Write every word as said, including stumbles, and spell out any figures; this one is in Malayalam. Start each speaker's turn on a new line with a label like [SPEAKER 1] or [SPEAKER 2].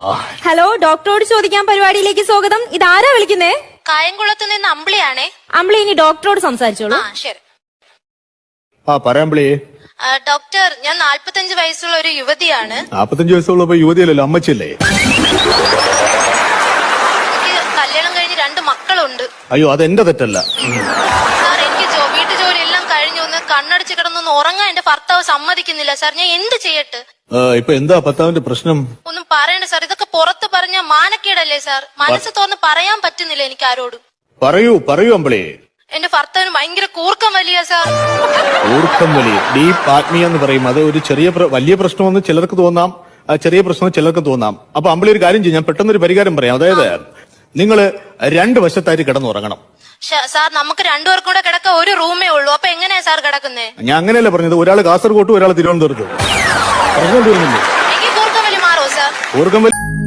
[SPEAKER 1] ഹലോ, ഡോക്ടറോട് ചോദിക്കാൻ പരിപാടിയിലേക്ക് സ്വാഗതം. ഇതാരാ വിളിക്കുന്നേ?
[SPEAKER 2] കായംകുളത്ത് നിന്ന് അമ്പിളിയാണേ.
[SPEAKER 1] അമ്പിളി ഇനി ഡോക്ടറോട് സംസാരിച്ചോളൂ.
[SPEAKER 2] ആ ശരി.
[SPEAKER 3] ആ പറയാമ്പിളി.
[SPEAKER 2] ഡോക്ടർ, ഞാൻ നാല്പത്തഞ്ച് വയസ്സുള്ള ഒരു യുവതിയാണ്.
[SPEAKER 3] നാപ്പത്തഞ്ച് വയസ്സുള്ളപ്പോ യുവതിയല്ലല്ലോ, അമ്മച്ചല്ലേ?
[SPEAKER 2] എനിക്ക് കല്യാണം കഴിഞ്ഞ് രണ്ട് മക്കളുണ്ട്.
[SPEAKER 3] അയ്യോ, അതെന്റെ തെറ്റല്ല
[SPEAKER 2] സാർ. എനിക്ക് വീട്ടു ജോലി എല്ലാം കഴിഞ്ഞു ഒന്ന് കണ്ണടച്ച് കിടന്നൊന്ന് ഉറങ്ങാൻ എന്റെ ഭർത്താവ് സമ്മതിക്കുന്നില്ല സാർ. ഞാൻ എന്ത് ചെയ്യട്ടെ?
[SPEAKER 3] ഇപ്പൊ എന്താ ഭർത്താവിന്റെ പ്രശ്നം?
[SPEAKER 2] ഒന്നും പറയണ്ട സാർ. ഇതൊക്കെ പുറത്ത് പറഞ്ഞ മാനക്കേടല്ലേ സാർ? മനസ്സ് തുറന്ന് പറയാൻ പറ്റുന്നില്ല എനിക്ക് ആരോടും.
[SPEAKER 3] പറയൂ പറയൂ അമ്പിളി.
[SPEAKER 2] എന്റെ ഭർത്താവിന് ഭയങ്കര കൂർക്കം വലിയ സാർ.
[SPEAKER 3] കൂർക്കം വലിയ ഡീപ്പ് ആത്മീയ എന്ന് പറയും. അത് ഒരു ചെറിയ വലിയ പ്രശ്നമെന്ന് ചിലർക്ക് തോന്നാം, ചെറിയ പ്രശ്നം ചിലർക്ക് തോന്നാം. അപ്പൊ അമ്പിളി ഒരു കാര്യം ചെയ്യും, ഞാൻ പെട്ടെന്നൊരു പരിഹാരം പറയാം. അതായത് നിങ്ങള് രണ്ട് വശത്തായിട്ട് കിടന്നുറങ്ങണം.
[SPEAKER 2] സാർ, നമുക്ക് രണ്ടുപേർക്കും കൂടെ കിടക്ക ഒരു റൂമേ ഉള്ളൂ. അപ്പൊ എങ്ങനെയാ സാർ കിടക്കുന്നേ?
[SPEAKER 3] ഞാൻ അങ്ങനെയല്ല പറഞ്ഞത്. ഒരാൾ കാസർഗോട്ടും ഒരാൾ തിരുവനന്തപുരത്തും. പ്രശ്നം തീർന്നില്ലേ?
[SPEAKER 2] എനിക്ക് കൂർക്കം വലി മാറോ സാർ?
[SPEAKER 3] കൂർക്കം വലി